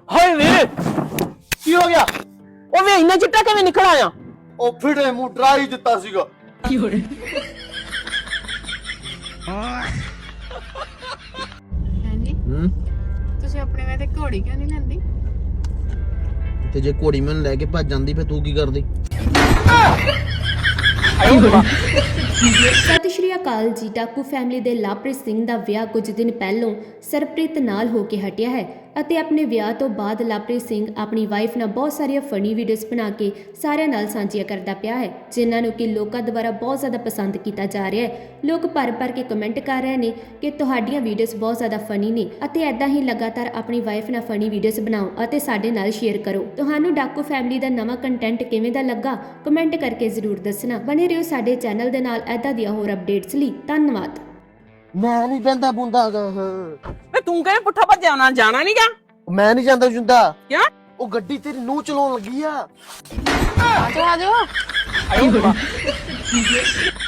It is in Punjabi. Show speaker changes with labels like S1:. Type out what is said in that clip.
S1: ਹਾਏ ਵੇ ਕੀ ਹੋ ਗਿਆ? ਉਹ ਵੇ ਇੰਨਾ ਚਿੱਟਾ ਕਿਵੇਂ ਨਿਕਲ ਆਇਆ?
S2: ਉਹ ਫਿੜੇ ਮੂੰਹ ਡਰਾ ਹੀ ਦਿੱਤਾ ਸੀਗਾ।
S1: ਕੀ ਹੋ ਰਿਹਾ?
S3: ਹਾਂਜੀ ਤੁਸੀਂ ਆਪਣੇ ਵੇ ਤੇ ਘੋੜੀ ਕਿਉਂ ਨਹੀਂ ਲੈਂਦੀ?
S2: ਤੇ ਜੇ ਘੋੜੀ ਮੈਨੂੰ ਲੈ ਕੇ ਭੱਜ ਜਾਂਦੀ ਫੇ ਤੂੰ ਕੀ ਕਰਦੀ?
S4: ਸਤਿ ਸ਼੍ਰੀ ਅਕਾਲ ਜੀ। ਟਾਕੂ ਫੈਮਿਲੀ ਦੇ ਲਵਪ੍ਰੀਤ ਸਿੰਘ ਦਾ ਵਿਆਹ ਕੁਝ ਦਿਨ ਪਹਿਲਾਂ ਸਰਪ੍ਰੀਤ ਨਾਲ ਹੋ ਕੇ ਹਟਿਆ ਹੈ ਅਤੇ ਆਪਣੇ ਵਿਆਹ ਤੋਂ ਬਾਅਦ ਲਵਪ੍ਰੀਤ ਸਿੰਘ ਆਪਣੀ ਵਾਈਫ ਨਾਲ ਬਹੁਤ ਸਾਰੀਆਂ ਫਨੀ ਵੀਡੀਓਜ਼ ਬਣਾ ਕੇ ਸਾਰਿਆਂ ਨਾਲ ਸਾਂਝੀਆਂ ਕਰਦਾ ਪਿਆ ਹੈ, ਜਿਨ੍ਹਾਂ ਨੂੰ ਕਿ ਲੋਕਾਂ ਦੁਆਰਾ ਬਹੁਤ ਜ਼ਿਆਦਾ ਪਸੰਦ ਕੀਤਾ ਜਾ ਰਿਹਾ ਹੈ। ਲੋਕ ਭਰ ਕੇ ਕਮੈਂਟ ਕਰ ਰਹੇ ਨੇ ਕਿ ਤੁਹਾਡੀਆਂ ਵੀਡੀਓਜ਼ ਬਹੁਤ ਜ਼ਿਆਦਾ ਫਨੀ ਨੇ ਅਤੇ ਐਦਾਂ ਹੀ ਲਗਾਤਾਰ ਆਪਣੀ ਵਾਈਫ ਨਾਲ ਫਨੀ ਵੀਡੀਓਜ਼ ਬਣਾਓ ਅਤੇ ਸਾਡੇ ਨਾਲ ਸ਼ੇਅਰ ਕਰੋ। ਤੁਹਾਨੂੰ ਟਾਕੂ ਫੈਮਿਲੀ ਦਾ ਨਵਾਂ ਕੰਟੈਂਟ ਕਿਵੇਂ ਦਾ ਲੱਗਾ ਕਮੈਂਟ ਕਰਕੇ ਜ਼ਰੂਰ ਦੱਸਣਾ। ਬਣੇ ਰਹੋ ਸਾਡੇ ਚੈਨਲ ਦੇ ਨਾਲ ਐਦਾਂ ਦੀਆਂ ਹੋਰ ਅਪਡੇਟਸ ਲਈ। ਧੰਨਵਾਦ।
S2: ਮੈਂ ਨਹੀਂ ਬੰਦਾ ਬੁੰਦਾ
S1: ਵੇ ਤੂੰ ਕਿਵੇਂ ਪੁੱਠਾ ਭੱਜਿਆ? ਨਾਲ ਜਾਣਾ ਨਹੀਂ ਗਾ?
S2: ਮੈਂ ਨਹੀਂ ਜਾਂਦਾ ਜੁੰਦਾ।
S1: ਕਿਉਂ?
S2: ਉਹ ਗੱਡੀ ਤੇਰੀ ਨੂੰ ਚਲਾਉਣ ਲੱਗੀ ਆ।
S1: ਆਜੋ ਆਜੋ। ਆਇਓ